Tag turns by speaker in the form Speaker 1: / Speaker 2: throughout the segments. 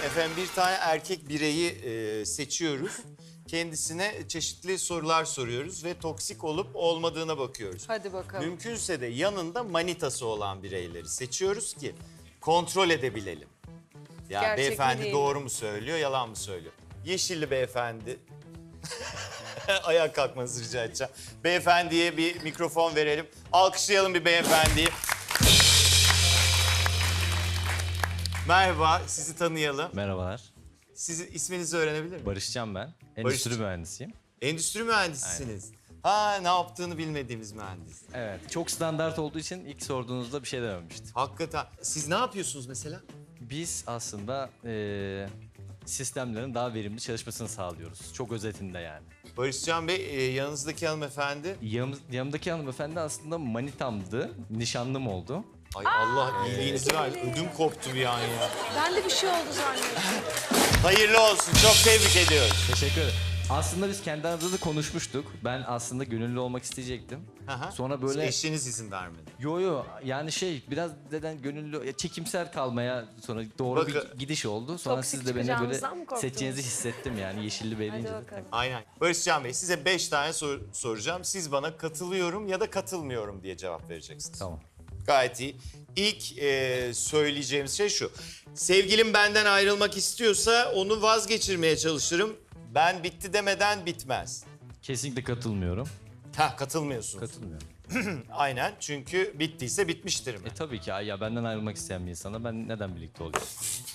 Speaker 1: Efendim bir tane erkek bireyi seçiyoruz. Kendisine çeşitli sorular soruyoruz ve toksik olup olmadığına bakıyoruz.
Speaker 2: Hadi bakalım.
Speaker 1: Mümkünse de yanında manitası olan bireyleri seçiyoruz ki kontrol edebilelim. Yani
Speaker 2: Gerçek mi
Speaker 1: beyefendi
Speaker 2: değil
Speaker 1: doğru mu söylüyor, yalan mı söylüyor? Yeşilli beyefendi. Ayağa kalkmanızı rica edeceğim. Beyefendiye bir mikrofon verelim. Alkışlayalım bir beyefendiyi. Merhaba, sizi tanıyalım.
Speaker 3: Merhabalar.
Speaker 1: Sizi isminizi öğrenebilir miyim?
Speaker 3: Barışcan ben. Endüstri mühendisiyim.
Speaker 1: Endüstri mühendisisiniz. Ha, ne yaptığını bilmediğimiz mühendis.
Speaker 3: Evet. Çok standart olduğu için ilk sorduğunuzda bir şey dememiştim.
Speaker 1: Hakikaten. Siz ne yapıyorsunuz mesela?
Speaker 3: Biz aslında sistemlerin daha verimli çalışmasını sağlıyoruz. Çok özetinde yani.
Speaker 1: Barışcan Bey, yanınızdaki hanımefendi.
Speaker 3: Yanımdaki hanımefendi aslında manitamdı. Nişanlım oldu.
Speaker 1: Ay Allah iyiliğinizi versin. Ödüm koptu bir an ya.
Speaker 2: Ben de bir şey oldu zannettim.
Speaker 1: Hayırlı olsun. Çok tebrik ediyoruz.
Speaker 3: Teşekkür ederim. Aslında biz kendi aramızda da konuşmuştuk. Ben aslında gönüllü olmak isteyecektim.
Speaker 1: Aha.
Speaker 3: Sonra böyle...
Speaker 1: Eşiniz izin vermedi.
Speaker 3: Yo yani biraz neden gönüllü, çekimser kalmaya sonra doğru bir gidiş oldu. Sonra
Speaker 2: Toksik
Speaker 3: siz de beni böyle
Speaker 2: çıkacağınızdan mı korktunuz?
Speaker 3: seçeceğinizi hissettim yani Yeşilli Bey deyince.
Speaker 2: Hadi bakalım.
Speaker 1: Aynen. Barışcan Bey, size 5 tane soru soracağım. Siz bana katılıyorum ya da katılmıyorum diye cevap vereceksiniz.
Speaker 3: Tamam.
Speaker 1: Gayet iyi. İlk söyleyeceğimiz şey şu. Sevgilim benden ayrılmak istiyorsa onu vazgeçirmeye çalışırım. Ben bitti demeden bitmez.
Speaker 3: Kesinlikle katılmıyorum.
Speaker 1: Ha, katılmıyorsunuz.
Speaker 3: Katılmıyorum.
Speaker 1: Aynen, çünkü bittiyse bitmiştir mi?
Speaker 3: Tabii ki ya benden ayrılmak isteyen bir insana ben neden birlikte olayım?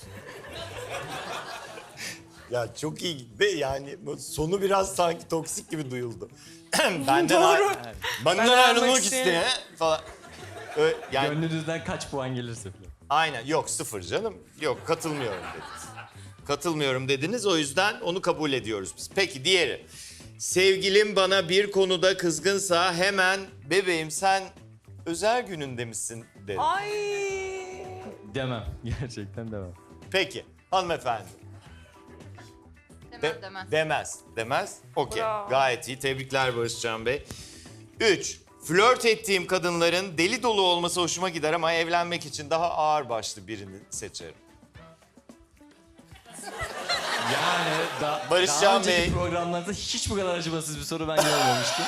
Speaker 1: Ya çok iyi ve yani bu sonu biraz sanki toksik gibi duyuldu. Benden ayrılmak isteyen falan. Yani
Speaker 3: Gönlünüzden kaç puan gelirse falan.
Speaker 1: aynen, yok sıfır canım. Yok, katılmıyorum dediniz. Katılmıyorum dediniz, o yüzden onu kabul ediyoruz biz. Peki diğeri. Sevgilim bana bir konuda kızgınsa hemen bebeğim sen özel gününde misin derim.
Speaker 2: Ay.
Speaker 3: Demem. Gerçekten demem.
Speaker 1: Peki hanımefendi.
Speaker 4: Demez.
Speaker 1: Demez. Okey.
Speaker 2: Bravo.
Speaker 1: Gayet iyi. Tebrikler Barışcan Bey. 3. Flört ettiğim kadınların deli dolu olması hoşuma gider ama evlenmek için daha ağır başlı birini seçerim.
Speaker 3: Yani
Speaker 1: Barışcan
Speaker 3: daha önceki
Speaker 1: Bey.
Speaker 3: programlarda hiç bu kadar acımasız bir soru ben görmemiştim.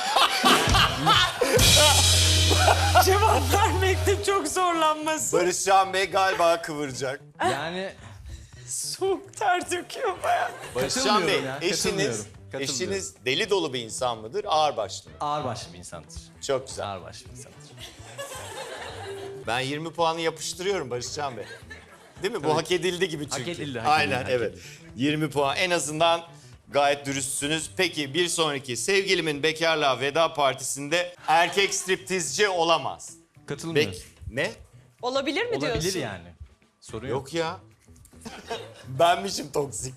Speaker 2: Cevap vermekte çok zorlanması.
Speaker 1: Barışcan Bey galiba kıvıracak.
Speaker 3: Yani
Speaker 2: Soğuk ter döküyor bayağı.
Speaker 1: Barışcan Bey,
Speaker 3: Katılmıyorum ya,
Speaker 1: eşiniz deli dolu bir insan mıdır, ağır başlı mı?
Speaker 3: ağır başlı bir insandır.
Speaker 1: Çok güzel.
Speaker 3: Ağır başlı bir insandır.
Speaker 1: Ben 20 puanı yapıştırıyorum Barışcan Bey. Değil mi? Bu hak edildi gibi çünkü.
Speaker 3: Hak edildi,
Speaker 1: Aynen,
Speaker 3: hak
Speaker 1: evet.
Speaker 3: edildi.
Speaker 1: 20 puan. En azından gayet dürüstsünüz. Peki bir sonraki. Sevgilimin bekarlığa veda partisinde erkek striptizci olamaz.
Speaker 3: Katılmıyorum.
Speaker 1: Ne?
Speaker 2: Olabilir mi diyorsun?
Speaker 3: Olabilir yani. Sorun yok.
Speaker 1: Yok ya. Benmişim toksik.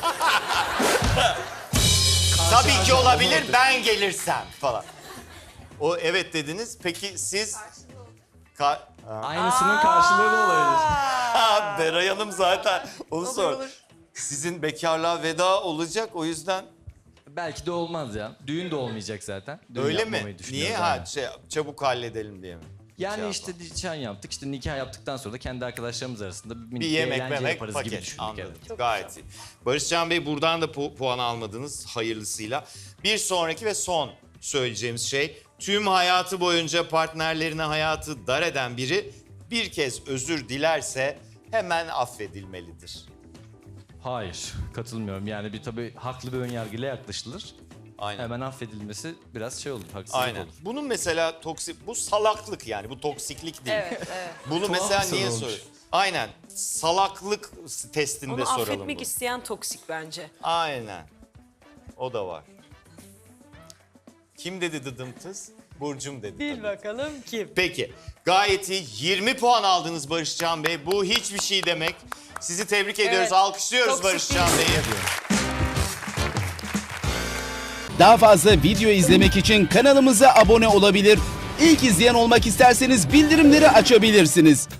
Speaker 1: Tabii ki olabilir, ben gelirsem falan. O evet dediniz. Peki siz...
Speaker 3: Aynısının karşılığı da olabilir.
Speaker 1: Beray Hanım zaten onu
Speaker 2: Olur,
Speaker 1: sor.
Speaker 2: olur.
Speaker 1: Sizin bekarlığa veda olacak, o yüzden
Speaker 3: Belki de olmaz ya. Düğün de olmayacak zaten. Düğün
Speaker 1: öyle
Speaker 3: yapmamayı
Speaker 1: mi?
Speaker 3: düşünüyoruz,
Speaker 1: Niye?
Speaker 3: aynen.
Speaker 1: Çabuk halledelim diye mi?
Speaker 3: Yani
Speaker 1: Şey
Speaker 3: işte nişan yaptık. İşte nikah yaptıktan sonra da kendi arkadaşlarımız arasında bir
Speaker 1: Bir
Speaker 3: minik
Speaker 1: yemek
Speaker 3: eğlence
Speaker 1: memek
Speaker 3: yaparız gibi
Speaker 1: paket.
Speaker 3: düşündük.
Speaker 1: Anladım.
Speaker 3: Evet.
Speaker 1: Gayet iyi. Barışcan Bey, buradan da puan almadınız hayırlısıyla. Bir sonraki ve son söyleyeceğimiz şey, tüm hayatı boyunca partnerlerine hayatı dar eden biri bir kez özür dilerse hemen affedilmelidir.
Speaker 3: Hayır, katılmıyorum. Yani bir tabii haklı bir önyargıyla yaklaşılır.
Speaker 1: Aynen.
Speaker 3: Hemen affedilmesi biraz şey olur, haksızlık
Speaker 1: Aynen.
Speaker 3: olur.
Speaker 1: Bunun mesela bu salaklık, yani bu toksiklik değil.
Speaker 2: Evet, evet.
Speaker 1: Bunu
Speaker 3: Tuhaf
Speaker 1: mesela
Speaker 3: bir soru
Speaker 1: niye
Speaker 3: olmuş.
Speaker 1: soruyor? Aynen. Salaklık testinde
Speaker 2: Onu
Speaker 1: soralım
Speaker 2: affetmek
Speaker 1: bunu.
Speaker 2: isteyen toksik bence.
Speaker 1: Aynen. O da var. Kim dedi dıdımtız? Burcum dedi.
Speaker 2: Bil
Speaker 1: tabii.
Speaker 2: bakalım kim?
Speaker 1: Peki. Gayet iyi. 20 puan aldınız Barışcan Bey. Bu hiçbir şey demek. Sizi tebrik ediyoruz.
Speaker 2: Evet.
Speaker 1: Alkışlıyoruz
Speaker 2: Toksik
Speaker 1: Barışcan
Speaker 2: değil.
Speaker 1: Bey'i.
Speaker 5: Daha fazla video izlemek için kanalımıza abone olabilir. İlk izleyen olmak isterseniz bildirimleri açabilirsiniz.